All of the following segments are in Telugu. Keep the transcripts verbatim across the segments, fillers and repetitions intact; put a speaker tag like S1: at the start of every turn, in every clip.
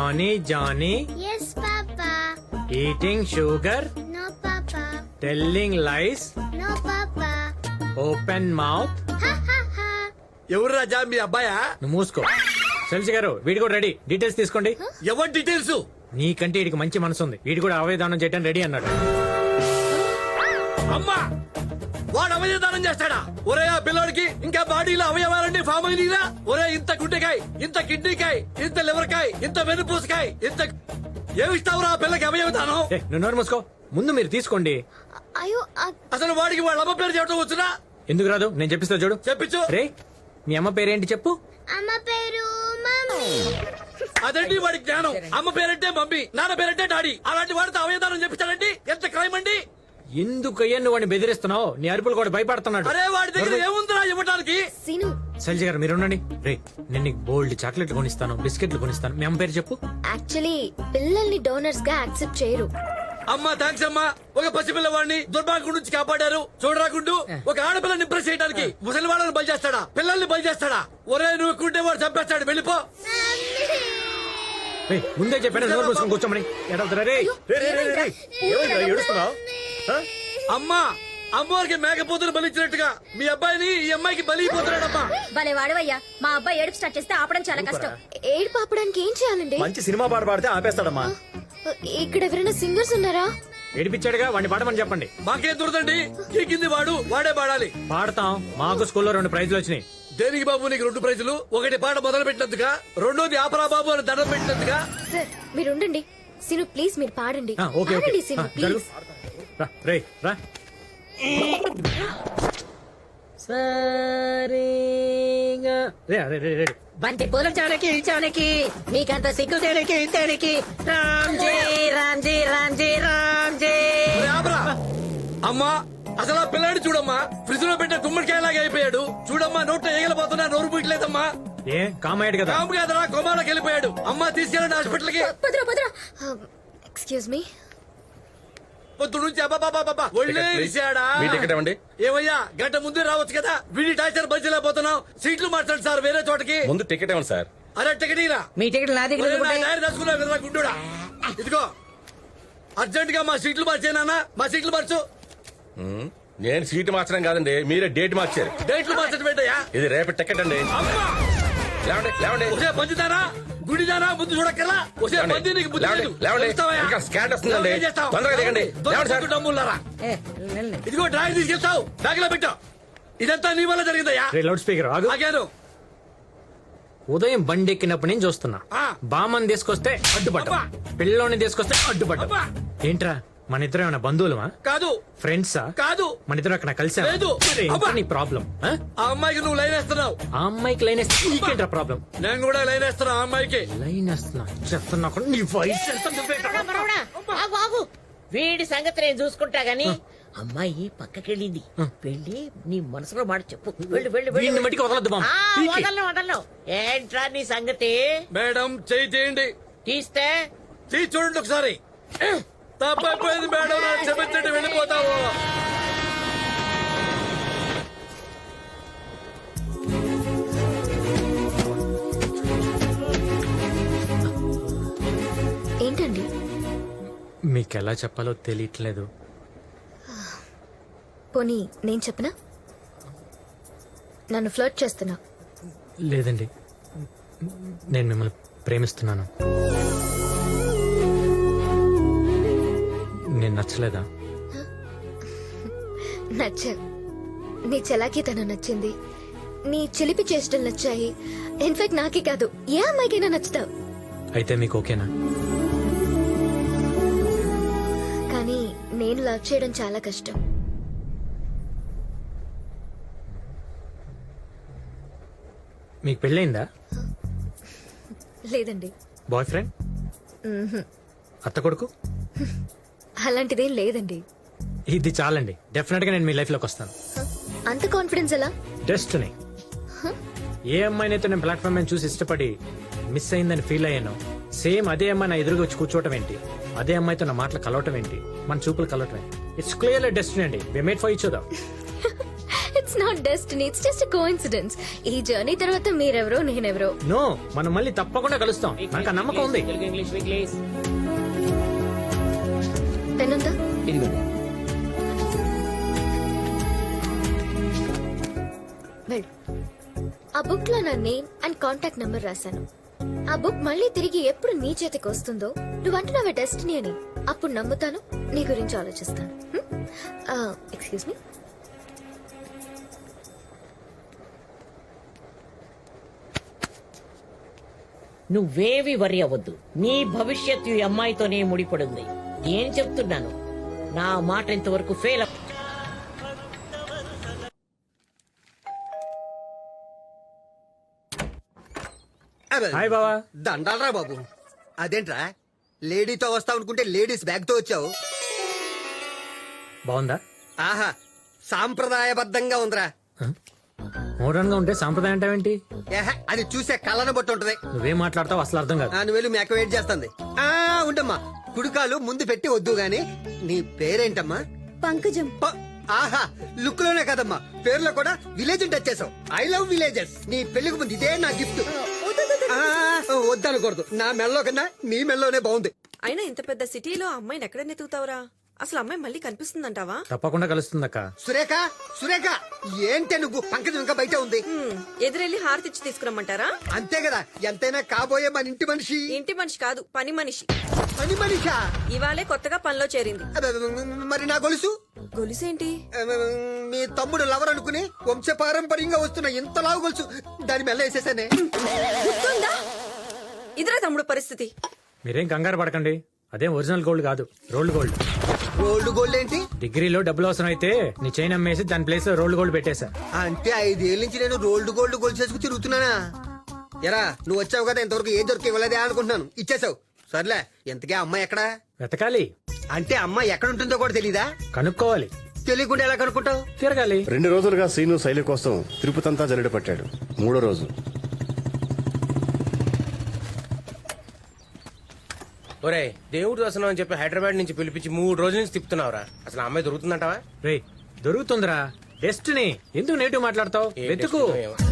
S1: Johnny, Johnny.
S2: Yes, Papa.
S1: Eating sugar.
S2: No, Papa.
S1: Telling lies.
S2: No, Papa.
S1: Open mouth.
S2: Ha ha ha.
S3: ఎవరు రాజా మీ అబ్బాయా?
S1: నువ్వు మూసుకో. శైలజ గారు వీడి కూడా రెడీ. డీటెయిల్స్ తీసుకోండి.
S3: ఎవరి డీటెయిల్స్?
S1: నీకంటే వీడికి మంచి మనసు ఉంది. వీడి కూడా అవయదానం చేయడానికి రెడీ అన్నాడు.
S3: అమ్మా వాడు అవయదానం చేస్తాడా? ఒరే ఆ పిల్లోడికి ఇంకా బాడీలో అవయవాలన్నీ ఫామ్ అయినా. ఒరే ఇంత గుండెకాయ, ఇంత కిడ్నీకాయ, ఇంత లివర్కాయ, ఇంత వెన్నుపూసకాయ, ఇంత ఏమిస్తావురా ఆ పిల్లకి అవయవదానం?
S1: ఏ, నువ్వు నోరు మూసుకో. ముందు మీరు తీసుకోండి.
S2: అయ్యో ఆ-
S3: అసలు వాడికి వాళ్ళ అమ్మ పేరు చెప్పడం వచ్చునా?
S1: ఎందుకు రాదు? నేను చెప్పిస్తా చూడు.
S3: చెప్పించు.
S1: రే మీ అమ్మ పేరేంటి చెప్పు.
S2: అమ్మ పేరు మమ్మీ.
S3: అదండి వాడి జ్ఞానం. అమ్మ పేరంటే మమ్మీ, నాన్న పేరంటే డాడీ. అలాంటి వాడితో అవయదానం చెప్పించాడండి. ఎంత క్రైమ్ అండి!
S1: ఎందుకయ్యా నువ్వు వాడిని బెదిరిస్తున్నావు? నీ అరుపులు కూడా భయపడుతున్నాడు.
S3: అరే వాడి దగ్గర ఏముందిరా ఇవ్వడానికి?
S2: సీను
S1: శైలజ గారు మీరు ఉండండి. రే నేను నీకు బోల్డ్ చాక్లెట్లు కొనిస్తాను, బిస్కెట్లు కొనిస్తాను. మీ అమ్మ పేరు చెప్పు.
S2: యాక్చువల్లీ పిల్లల్ని డోనర్స్ గా యాక్సెప్ట్ చేయరు.
S3: అమ్మా థ్యాంక్స్ అమ్మా. ఒక పసిపిల్లవాడిని దుర్మార్గం నుంచి కాపాడారు. చూడరాకుండు ఒక ఆడపిల్లని ఇంప్రెస్ చేయడానికి ముసలి వాళ్ళని బలి చేస్తాడా? పిల్లల్ని బలి చేస్తాడా? ఒరే నువ్వు కుంటే వాడు చంపేస్తాడు. వెళ్ళిపో.
S1: రే ముందే చెప్పాను నోరు మూసుకొని కూర్చోమని. ఎడవుతారా రే?
S4: ఏడుస్తున్నావు?
S3: అమ్మా అమ్మవారికి మేకపోతులు బలిచ్చినట్టుగా మీ అబ్బాయిని ఈ అమ్మాయికి బలి అయిపోతున్నాడమ్మా.
S5: భలే వాడవయ్యా. మా అబ్బాయి ఏడుపు స్టార్ట్ చేస్తే ఆపడం చాలా కష్టం.
S2: ఏడు పాపడానికి ఏం చేయాలండి?
S4: మంచి సినిమా పాట పాడితే ఆపేస్తాడమ్మా.
S2: ఇక్కడ ఎవరైనా సింగర్స్ ఉన్నారా?
S1: ఏడిపించాడుగా వాడిని పాడమని చెప్పండి.
S3: మాకేం దొరదండి. ఈ కింది వాడు వాడే పాడాలి.
S1: పాడతాం. మాకు స్కూల్లో రెండు ప్రైజులు వచ్చినాయి.
S3: దేనికి బాబు నీకు రెండు ప్రైజులు? ఒకటి పాట మొదలు పెట్టినందుగా, రెండోది ఆపరా బాబు అని దండం పెట్టినందుగా.
S2: సార్ మీరు ఉండండి. సీను ప్లీజ్ మీరు పాడండి.
S1: ఆ, ఓకే ఓకే.
S2: పాడండి సీను
S1: ఆ, జరుగు.
S2: ప్లీజ్.
S1: రా, రే రా. రే, రే, రే, రే.
S6: బంతి పూలం చాలకి చాలకి మీకంత సిగ్గు తేడికి తేడికి రామ్జీ రామ్జీ రామ్జీ రామ్జీ.
S3: ఒరే ఆపరా. అమ్మా అసలు ఆ పిల్లాడి చూడమ్మా, ఫ్రిడ్జ్ లో పెట్టే గుమ్మడికాయలాగా అయిపోయాడు. చూడమ్మా నోట్లో ఏగలపోతున్నా, నోరు పూయట్లేదమ్మా.
S1: ఏ కామాయడు కదా.
S3: కాము కాదరా కొమాలోకి వెళ్ళిపోయాడు. అమ్మా తీసుకెళ్ళండి హాస్పిటల్ కి.
S5: పదరా పదరా.
S2: Excuse me.
S3: పొద్దు నుంచి అబ్బాబాబాబా ఒళ్ళే ఇరిశాడా?
S4: మీ టికెట్ ఇవ్వండి.
S3: ఏమయ్యా గంట ముందే రావచ్చు కదా. వీడి టార్చర్ భరించలేకపోతున్నాం. సీట్లు మార్చండి సార్ వేరే చోటకి.
S4: ముందు టికెట్ ఇవ్వండి సార్.
S3: అరే టికెట్ ఇరా.
S6: మీ టికెట్ నా దగ్గర ఉంది.
S3: డైరీ రాసుకున్నావు కదరా గుండుడా. ఇదిగో అర్జెంట్ గా మా సీట్లు మార్చేనా? మా సీట్లు మార్చు.
S4: ఉమ్, నేను సీటు మార్చడం కాదండి, మీరే డేట్ మార్చారు.
S3: డేట్లు మార్చడం ఏంటయ్యా?
S4: ఇది రేపటి టికెట్ అండి.
S3: అమ్మా
S4: లేవండి లేవండి
S3: ఒసే పంచుతారా గుడిదారా ముందు చూడక్కర్లా. ఒసే
S4: లేవండి.
S3: పంది నీకు బుద్ధి
S4: లేవండి,
S3: లేదు.
S4: లేవండి.
S3: చూస్తావయ్యా?
S4: ఇంకా స్కాట్ వస్తుందండి.
S3: ఏం చేస్తావ్?
S4: తొందరగా దిగండి. లేవండి సార్.
S3: డమ్ములారా.
S6: ఏ, వెళ్ళండి.
S3: ఇదిగో డ్రాయింగ్ తీసుకెళ్తావు బ్యాగ్ లో పెట్టావు. ఇదంతా నీ వల్ల జరిగిందయ్యా.
S1: రే లౌడ్ స్పీకర్ ఆగు.
S3: ఆగాను.
S1: ఉదయం బండి ఎక్కినప్పటి నుంచి చూస్తున్నా.
S3: ఆ.
S1: బామ్మని తీసుకొస్తే అడ్డుపడ్డా,
S3: అబ్బా.
S1: పిల్లోని తీసుకొస్తే అడ్డుపడ్డా.
S3: అబ్బా.
S1: ఏంట్రా మన ఇద్దరం ఏమైనా బంధువులమా,
S3: కాదు
S1: ఫ్రెండ్సా?
S3: కాదు.
S1: మన ఇద్దరు అక్కడ కలిసా?
S3: లేదు. అబ్బా.
S1: నీ ప్రాబ్లం.
S3: ఆ అమ్మాయికి నువ్వు లైన్ వేస్తున్నావు.
S1: ఆ అమ్మాయికి లైన్ వేస్తే నీకేంట్రా ప్రాబ్లం?
S3: నేను కూడా లైన్ వేస్తున్నా ఆ అమ్మాయికి.
S1: లైన్ వేస్తున్నా చెప్తున్నా కూడా నీ వయసు ఎంత నువ్వేంట్రా?
S6: మనవడా, ఆగు, ఆగు. వీడి సంగతి నేను చూసుకుంటా గాని అమ్మాయి పక్కకెళ్ళింది. వెళ్ళి నీ మనసులో మాట చెప్పు. వెళ్ళు వెళ్ళు
S1: వీడిని
S6: వెళ్ళు.
S1: మట్టికి వదలద్దు బామ్మ.
S6: ఆ,
S1: పీకే.
S6: వదలను వదలను. ఏంట్రా నీ సంగతి?
S3: మేడం చెయ్యి తీయండి.
S6: తీస్తే
S3: తీసి చూడండి ఒకసారి. తప్పైపోయింది మేడం, నాకు క్షమించండి, వెళ్ళిపోతావు.
S2: ఏంటండి?
S1: మీకు ఎలా చెప్పాలో తెలియట్లేదు.
S2: పోనీ నేను చెప్పనా? నన్ను ఫ్లర్ట్ చేస్తున్నా.
S1: లేదండి, నేను మిమ్మల్ని ప్రేమిస్తున్నాను. నేను నచ్చలేదా?
S2: నచ్చా. నీ చలాకీ తను నచ్చింది, నీ చిలిపి చేష్టలు నచ్చాయి. ఇన్ఫాక్ట్ నాకే కాదు ఏ అమ్మాయికైనా నచ్చుతావు.
S1: అయితే మీకు ఓకేనా?
S2: కానీ నేను లవ్ చేయడం చాలా కష్టం.
S1: మీకు పెళ్ళయిందా?
S2: లేదండి.
S1: Boyfriend? అత్త కొడుకు?
S2: అలాంటిదేం లేదండి.
S1: ఇది చాలండి, డెఫినెట్ గా నేను మీ లైఫ్ లోకి వస్తాను.
S2: అంత కాన్ఫిడెన్స్ ఎలా?
S1: డెస్టినీ. ఏ అమ్మాయినైతే నేను ప్లాట్ఫామ్ మీద చూసి ఇష్టపడి మిస్ అయిందని ఫీల్ అయ్యాను, సేమ్ అదే అమ్మాయి నా ఎదురుగా వచ్చి కూర్చోవటం ఏంటి, అదే అమ్మాయితో నా మాటలు కలవటం ఏంటి, మన చూపులు కలవటం ఏంటి. ఇట్స్ క్లియర్లీ డెస్టినీ అండి. We made for each other.
S2: It's not destiny, it's just coincidence. ఈ జర్నీ తర్వాత మీరెవరో నేనెవరో.
S1: నో, మనం మళ్ళీ తప్పకుండా కలుస్తాం, నాకు ఆ నమ్మకం ఉంది.
S6: Telugu English please.
S2: పెన్ ఉందా?
S6: ఇదిగోండి.
S2: వెళ్ళు. ఆ బుక్ లో నా నేమ్ అండ్ కాంటాక్ట్ నెంబర్ రాశాను. ఆ బుక్ మళ్ళీ తిరిగి ఎప్పుడు నీ చేతికి వస్తుందో, నువ్వు అంటున్నావే డెస్టినీ అని, అప్పుడు నమ్ముతాను, నీ గురించి ఆలోచిస్తాను. Excuse me.
S6: నువ్వేవి వరి అవ్వద్దు. నీ భవిష్యత్తు ఈ అమ్మాయితోనే ముడిపడింది. నేను చెప్తున్నాను, నా మాట ఇంతవరకు ఫెయిల్ అవ్వ.
S1: హాయ్ బావా.
S7: దండాలరా బాబు. అదేంట్రా లేడీతో వస్తావు అనుకుంటే లేడీస్ బ్యాగ్ తో వచ్చావు?
S1: బాగుందా?
S7: ఆహా, సాంప్రదాయబద్ధంగా ఉందిరా.
S1: మోడర్న్ గా ఉంటే సాంప్రదాయం అంటావేంటి?
S7: ఏహ, అది చూసే కళ్ళను బట్టి ఉంటది.
S1: నువ్వేం మాట్లాడతావు అసలు అర్థం కాదు.
S7: ఆ, నువ్వు వెళ్ళి మేక వెయిట్ చేస్తుంది. ఆ ఉండమ్మా, కుడుకాలు ముందు పెట్టి వద్దు గాని. నీ పేరేంటమ్మా?
S5: పంకజం.
S7: ప- ఆహా, లుక్ లోనే కదమ్మా, పేరులో కూడా విలేజ్ టచ్ చేసావు. I love villages. నీ పెళ్లికి ముందు ఇదే నా గిఫ్ట్. వద్దనకూడదు, నా మెల్లో కన్నా నీ మెల్లోనే బాగుంది.
S8: అయినా ఇంత పెద్ద సిటీలో అమ్మాయిని ఎక్కడ నెతుకుతావురా? అసలు అమ్మాయి మళ్ళీ కనిపిస్తుందంటావా?
S1: తప్పకుండా కలుస్తుందక్క.
S7: సురేఖ, సురేఖ, ఏంటే నువ్వు? పంకజం ఇంకా బయట ఉంది.
S8: హ్మ్, ఎదురెళ్ళి హారతిచ్చి తీసుకురమ్మంటారా?
S7: అంతే కదా, ఎంతైనా కాబోయే మన ఇంటి మనిషి.
S8: ఇంటి మనిషి కాదు, పని మనిషి.
S7: పని మనిషా?
S8: ఇవాళే కొత్తగా పనిలో చేరింది.
S7: అబ్బబ్బ, మరి నా గొలుసు?
S8: గొలుసేంటి?
S7: అబ్బబ్బ, మీ తమ్ముడు లవర్ అనుకుని వంశపారంపర్యంగా వస్తున్న ఇంత లావు గొలుసు దాని మెల్ల వేసేసానే.
S8: గుర్తుందా? ఇదిరా తమ్ముడు పరిస్థితి.
S1: మీరేం కంగారు పడకండి, అదేం ఒరిజినల్ గోల్డ్ కాదు, రోల్డ్ గోల్డ్.
S7: గోల్డ్ గోల్డ్ ఏంటి?
S1: డిగ్రీలో డబ్బులు అవసరం అయితే నీ చైన్ అమ్మేసి దాని ప్లేస్ లో రోల్డ్ గోల్డ్ పెట్టేశా.
S7: అంటే ఐదేళ్ళ నుంచి నేను రోల్డ్ గోల్డ్ గోల్డ్ చేసుకు తిరుగుతున్నానా? ఎరా, నువ్వు వచ్చావు కదా, ఇంతవరకు ఏ దొరికి ఇవ్వలేదే అనుకుంటున్నాను. ఇచ్చేసావు. సర్లే, ఎంతకే అమ్మాయి ఎక్కడా?
S1: వెతకాలి.
S7: అంటే అమ్మాయి ఎక్కడ ఉంటుందో కూడా తెలీదా?
S1: కనుక్కోవాలి.
S7: తెలియకుండా ఎలా కనుక్కుంటావు?
S1: తిరగాలి.
S9: రెండు రోజులుగా శ్రీను శైలి కోసం తిరుపతంతా జల్లెడ పట్టాడు. మూడో రోజు
S4: ఒరే, దేవుడు దర్శనం అని చెప్పి హైదరాబాద్ నుంచి పిలిపించి మూడు రోజుల నుంచి తిప్పుతున్నావురా. అసలు ఆ అమ్మాయి దొరుకుతుందంటావా?
S1: రే, దొరుకుతుందిరా. డెస్టినీ, ఎందుకు నెగిటివ్ మాట్లాడతావు?
S4: ఏ
S1: వెతుకు.
S4: టెస్టినో ఏమో.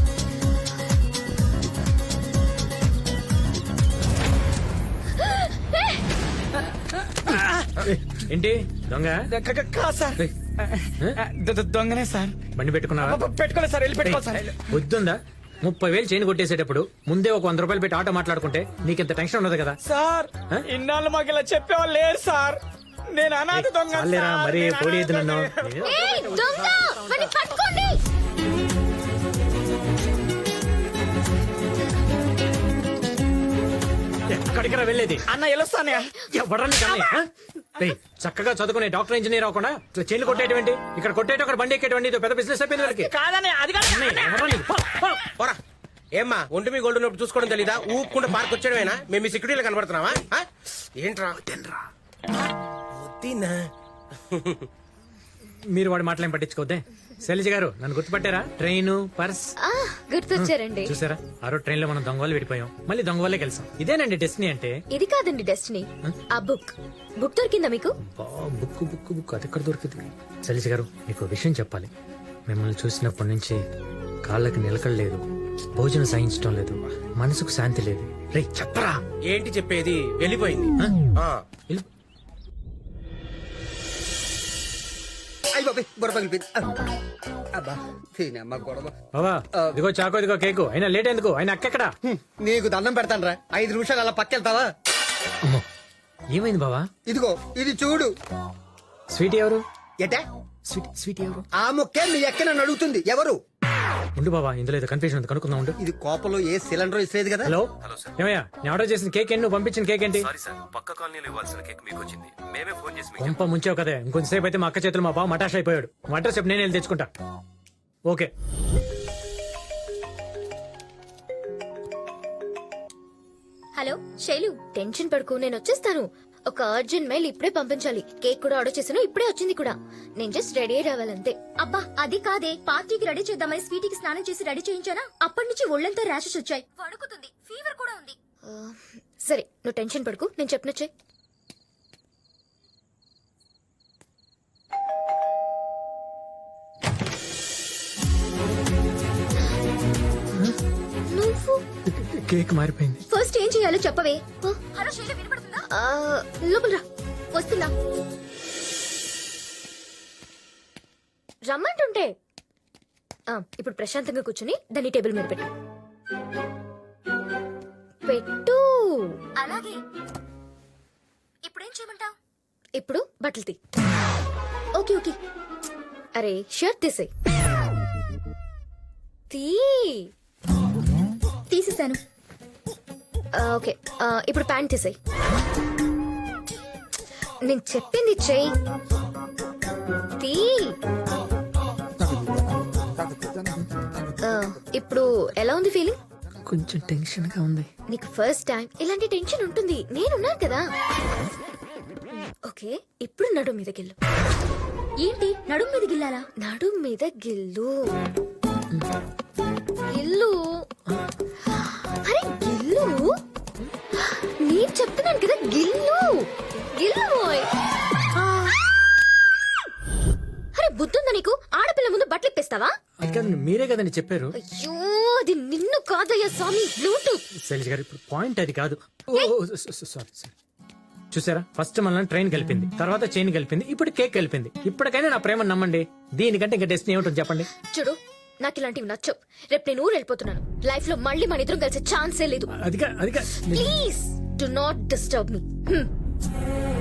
S1: ఏంటి దొంగ? రేయ్,
S10: దొంగనే సార్.
S1: బండి పెట్టుకున్నావా?
S10: పెట్టుకోలేదు సార్, వెళ్ళి పెట్టుకోవాలి సార్.
S1: వద్దుందా? ముప్పై వేలు చైన్ కొట్టేసేటప్పుడు ముందే ఒక వంద రూపాయలు పెట్టి ఆటో మాట్లాడుకుంటే నీకింత టెన్షన్ ఉండదు కదా.
S10: సార్,
S1: ఆ?
S10: ఇన్నాళ్ళు మాకు ఇలా చెప్పేవాళ్ళు లేరు సార్. నేను అనాథ దొంగ
S1: చాలేరా,
S10: సార్.
S1: మరీ
S10: నేను
S1: పోడీది
S10: అనాథ
S1: నన్ను.
S10: దొంగ.
S2: ఏయ్, దొంగ! వాడిని పట్టుకోండి!
S1: ఎక్కడికరా వెళ్ళేది?
S10: అన్న వెళ్ళొస్తానే.
S1: ఎవడని కానీ చక్కగా చదువుకునే డాక్టర్ ఇంజనీర్ అవ్వకుండా ఇట్లా చైన్లు కొట్టేటువంటి, ఇక్కడ కొట్టేట అక్కడ బండి ఎక్కేటువంటి ఇదో పెద్ద బిజినెస్ అయిపోయింది వాళ్ళకి.
S10: కాదనే, అది కాదు.
S1: అన్నయ్య, ఎవడ్రా నీకు? పో, పో.
S4: పోరా. ఏమ్మా, ఒంటి మీ గోల్డ్ ఉన్నప్పుడు చూసుకోవడం తెలీదా? ఊపుకుంటే పార్క్ వచ్చేయడమేనా? మేము మీ సెక్యూరిటీలో కనబడుతున్నావా? ఆ? ఏంట్రా? వద్దినా?
S1: మీరు వాడి మాటలేం పట్టించుకోవద్దే. శైలజ గారు, నన్ను గుర్తుపట్టారా? ట్రైన్, పర్స్
S2: ఆ, గుర్తొచ్చారండి.
S1: చూసారా? ఆ రోజు ట్రైన్ లో మనం దొంగ వాళ్ళు విడిపోయాం, మళ్ళీ దొంగ వాళ్ళే కలిసాం. ఇదేనండి డెస్టినీ అంటే.
S2: ఇది కాదండి డెస్టినీ, ఆ బుక్. బుక్ దొరికిందా మీకు?
S1: బా, బుక్ బుక్ బుక్ అది ఎక్కడ దొరికింది? శైలజ గారు, మీకు ఒక విషయం చెప్పాలి. మిమ్మల్ని చూసినప్పటి నుంచి కాళ్ళకి నిలకడలేదు, భోజనం సాయించడం లేదు, మనసుకు శాంతి లేదు. రే చెప్పరా.
S4: ఏంటి చెప్పేది? వెళ్ళిపోయింది. ఆ.
S1: వెళ్ళు.
S7: అయ్యి బాబే, గొడవ పగిలిపోయింది. అబ్బా, తినమ్మ గొడవ.
S1: బాబా, ఇదిగో చాకో, ఇదిగో కేకు. అయినా లేట్ ఎందుకు? అయినా అక్కెక్కడా?
S7: హ్మ్, నీకు దండం పెడతాను రా, ఐదు నిమిషాలు అలా పక్కెళ్తావా?
S1: అమ్మో, ఏమైంది బావా?
S7: ఇదిగో ఇది చూడు.
S1: స్వీట్ ఎవరు?
S7: ఎటే?
S1: స్వీట్ స్వీట్ ఎవరు?
S7: ఆ ముక్కే మీ ఎక్క నన్ను అడుగుతుంది. ఎవరు?
S1: ఉండు బాబా, ఇందులో ఏదో కన్ఫ్యూజన్ ఉంది, కనుక్కుందాం ఉండు.
S7: ఇది కోపంలో ఏ సిలిండర్ ఇస్తలేదు కదా.
S1: హలో ఏమయ్యా, నేను ఆర్డర్ చేసిన కేక్ ఏంటి? నువ్వు పంపించిన కేక్ ఏంటి?
S11: పక్క కాలనీలో ఇవ్వాల్సిన కేక్ మీకు వచ్చింది. మేమే ఫోన్ చేసి మీకు
S1: కొంప ముంచావు కదా. ఇంకొంచెంసేపు అయితే మా అక్క చేతులు మా బావ మటాష్ అయిపోయాడు. మా అడ్రస్ చెప్పి నేను వెళ్ళి తెచ్చుకుంటా. ఓకే.
S2: హలో శైలు, టెన్షన్ పడుకో, నేను వచ్చేస్తాను. ఒక అర్జెంట్ మెయిల్ ఇప్పుడే పంపించాలి. కేక్ కూడా ఆర్డర్ చేశాను, ఇప్పుడే వచ్చింది కూడా. నేను జస్ట్ రెడీ అయి రావాలంతే.
S5: అబ్బా అది కాదే, పార్టీకి రెడీ చేద్దామని స్వీటీకి స్నానం చేసి రెడీ చేయించానా? అప్పటి నుంచి ఒళ్ళంతా ర్యాషెస్ వచ్చాయి, వణుకుతుంది, ఫీవర్ కూడా ఉంది.
S2: ఆ, సరే నువ్వు టెన్షన్ పడుకు, నేను చెప్పినచ్చే.
S1: కేక్ మారిపోయింది.
S5: ఫస్ట్ ఏం చేయాలో చెప్పవే. హలో శైలు, వినపడుతుందా?
S2: ఆ, లోపల రా.
S5: వస్తున్నా.
S2: రమ్మంటుంటే ఆ, ఇప్పుడు ప్రశాంతంగా కూర్చుని దాన్ని టేబుల్ మీద పెట్టు. పెట్టు.
S5: అలాగే. ఇప్పుడేం చేయమంటావు?
S2: ఇప్పుడు బట్టలు తీ.
S5: Okay okay.
S2: అరే షర్ట్ తీసేయ్. తీ.
S5: తీసేసాను.
S2: ఆ, ఓకే ఆ, ఇప్పుడు ప్యాంట్ తీసేయ్. నేను చెప్పింది చెయ్యి. తీ. ఆ, ఇప్పుడు ఎలా ఉంది ఫీలింగ్?
S1: కొంచెం టెన్షన్ గా ఉంది.
S2: నీకు ఫస్ట్ టైం ఇలాంటి టెన్షన్ ఉంటుంది, నేనున్నాను కదా. ఓకే ఇప్పుడు నడు మీద గిల్లు.
S5: ఏంటి నడుం మీద గిల్లాలా?
S2: నడు మీద గిల్లు. గిల్లు. అరే గిల్లు. నేను చెప్తున్నాను కదా గిల్లు. గిల్లు బోయ్. అరే బుద్ధుందా నీకు? ఆడపిల్ల ముందు బట్టలు ఇప్పేస్తావా?
S1: అది కాదండి, మీరే కదండి చెప్పారు.
S2: అయ్యో అది నిన్ను కాదయ్యా స్వామి, బ్లూటూత్.
S1: శైలజ గారు ఇప్పుడు పాయింట్ అది కాదు. Sorry sorry. చూసారా, ఫస్ట్ మనల్ని ట్రైన్ కలిపింది, తర్వాత చైన్ కలిపింది, ఇప్పుడు కేక్ కలిపింది. ఇప్పటికైనా నా ప్రేమ నమ్మండి. దీనికంటే ఇంకా డెస్టినీ ఏమిటో చెప్పండి.
S2: చూడు నాకు ఇలాంటివి నచ్చవు. రేపు నేను ఊరు వెళ్ళిపోతున్నాను. లైఫ్ లో మళ్ళీ మన ఇద్దరం కలిసే ఛాన్సే లేదు.
S1: అదిగా అదిగా
S2: please do not disturb me.